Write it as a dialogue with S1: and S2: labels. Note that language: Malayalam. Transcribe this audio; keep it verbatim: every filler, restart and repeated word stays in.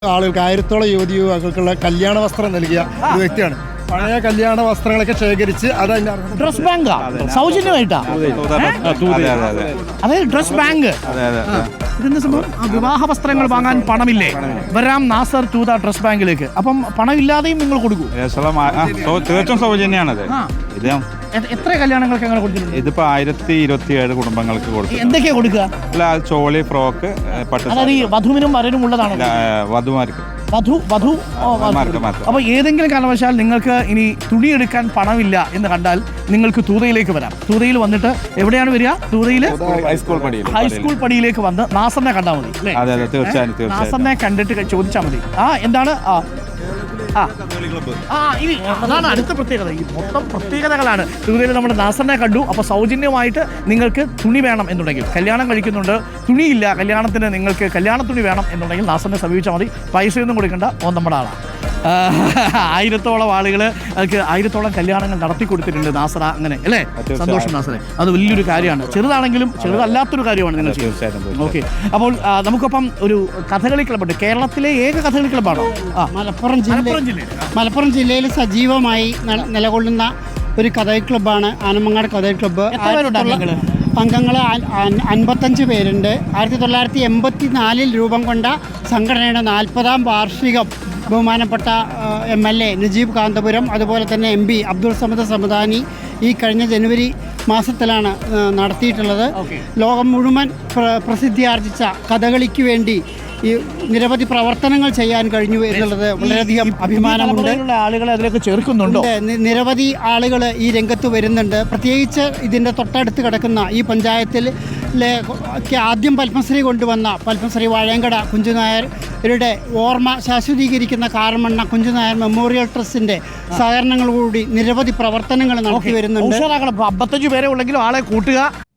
S1: ആളുകൾക്ക് ആയിരത്തോളം യുവതി യുവാക്കൾക്കുള്ള കല്യാണ വസ്ത്രം നൽകിയ ഒരു വ്യക്തിയാണ്. പഴയ കല്യാണ വസ്ത്രങ്ങളൊക്കെ ശേഖരിച്ച് അത്
S2: ഡ്രസ് ബാങ്കാ സൗജന്യമായിട്ടാ അതായത് ഡ്രസ് ബാങ്ക്. ഇതെന്താ സംഭവം? വിവാഹ വസ്ത്രങ്ങൾ വാങ്ങാൻ പണമില്ലേ? വരാം നാസർ തൂത ഡ്രസ് ബാങ്കിലേക്ക്. അപ്പം പണമില്ലാതെയും നിങ്ങൾ കൊടുക്കൂ?
S3: തീർച്ചയായും സൗജന്യമാണത്. ഇത്
S2: എത്ര കല്യാണങ്ങൾക്ക് അങ്ങനെ കൊടുത്തിട്ടുണ്ട്?
S3: ഇതിപ്പോ ആയിരത്തി ഇരുപത്തി ഏഴ് കുടുംബങ്ങൾക്ക് കൊടുക്കും.
S2: എന്തൊക്കെയാ കൊടുക്കുക?
S3: അല്ല, ചോളി, ഫ്രോക്ക്, പട്ട്.
S2: അതായത് ഈ വധുവിനും വരനും ഉള്ളതാണോ?
S3: വധുമാർക്ക്.
S2: വധു വധു അപ്പൊ ഏതെങ്കിലും കാരണവശാൽ നിങ്ങൾക്ക് ഇനി തുണിയെടുക്കാൻ പണമില്ല എന്ന് കണ്ടാൽ നിങ്ങൾക്ക് തൂതയിലേക്ക് വരാം. തൂതയിൽ വന്നിട്ട് എവിടെയാണ് വരിക? തൂതയിൽ
S3: ഹൈസ്കൂൾ പടിയിൽ
S2: ഹൈസ്കൂൾ പടിയിലേക്ക് വന്ന് നാസറിനെ കണ്ടാൽ മതി അല്ലേ?
S3: തീർച്ചയായും
S2: നാസറിനെ കണ്ടിട്ട് ചോദിച്ചാൽ മതി. ആ എന്താണ് ആ ആ ഇനി അതാണ് അടുത്ത പ്രത്യേകത. ഈ മൊത്തം പ്രത്യേകതകളാണ്. തൂതയിൽ നമ്മുടെ നാസറിനെ കണ്ടു. അപ്പോൾ സൗജന്യമായിട്ട് നിങ്ങൾക്ക് തുണി വേണം എന്നുണ്ടെങ്കിൽ, കല്യാണം കഴിക്കുന്നുണ്ട്, തുണിയില്ല, കല്യാണത്തിന് നിങ്ങൾക്ക് കല്യാണ തുണി വേണം എന്നുണ്ടെങ്കിൽ നാസറിനെ സമീപിച്ചാൽ മതി. പൈസയൊന്നും കൊടുക്കേണ്ട, ഓ നമ്മുടെ ആളാണ്. ആയിരത്തോളം ആളുകൾ ആയിരത്തോളം കല്യാണങ്ങൾ നടത്തി കൊടുത്തിട്ടുണ്ട് നാസറ. അങ്ങനെ അല്ലേ? സന്തോഷം നാസറെ, അത് വലിയൊരു കാര്യമാണ്. ചെറുതാണെങ്കിലും ചെറുതല്ലാത്തൊരു കാര്യമാണ് നിങ്ങൾ ചെയ്യുന്നത്. ഓക്കെ, അപ്പോൾ നമുക്കൊപ്പം ഒരു കഥകളി ക്ലബ്ബുണ്ട്. കേരളത്തിലെ ഏക കഥകളി ക്ലബ്ബാണോ?
S4: മലപ്പുറം ജില്ല മലപ്പുറം ജില്ലയിൽ സജീവമായി നിലകൊള്ളുന്ന ഒരു കഥകളി ക്ലബ്ബാണ് ആനമങ്ങാട് കഥകളി ക്ലബ്ബ്. അംഗങ്ങൾ അൻപത്തഞ്ച് പേരുണ്ട്. ആയിരത്തി തൊള്ളായിരത്തി എൺപത്തി നാലിൽ രൂപം കൊണ്ട സംഘടനയുടെ നാൽപ്പതാം വാർഷികം ബഹുമാനപ്പെട്ട M L A Najeeb Kanthapuram, അതുപോലെ തന്നെ എം പി അബ്ദുൾ സമദ് സമദാനി ഈ കഴിഞ്ഞ ജനുവരി മാസത്തിലാണ് നടത്തിയിട്ടുള്ളത്. ലോകം മുഴുവൻ പ്രസിദ്ധിയാർജിച്ച കഥകളിക്ക് വേണ്ടി ഈ നിരവധി പ്രവർത്തനങ്ങൾ ചെയ്യാൻ കഴിഞ്ഞു എന്നുള്ളത് വളരെയധികം അഭിമാനമുണ്ട്.
S2: ആളുകളെ അതിലേക്ക് ചേർക്കുന്നുണ്ടോ?
S4: നിരവധി ആളുകൾ ഈ രംഗത്ത് വരുന്നുണ്ട്. പ്രത്യേകിച്ച് ഇതിൻ്റെ തൊട്ടടുത്ത് കിടക്കുന്ന ഈ പഞ്ചായത്തിലെ ആദ്യം പത്മശ്രീ കൊണ്ടുവന്ന പത്മശ്രീ വാഴയങ്കട കുഞ്ചുനായരുടെ ഓർമ്മ ശാശ്വതീകരിക്കുന്ന കാർമണ്ണ കുഞ്ചുനായർ മെമ്മോറിയൽ ട്രസ്റ്റിൻ്റെ സഹകരണങ്ങളോടുകൂടി നിരവധി പ്രവർത്തനങ്ങൾ നടത്തി വരുന്നുണ്ട്.
S2: അമ്പത്തഞ്ച് പേരെ ഉള്ളെങ്കിലും ആളെ കൂട്ടുക.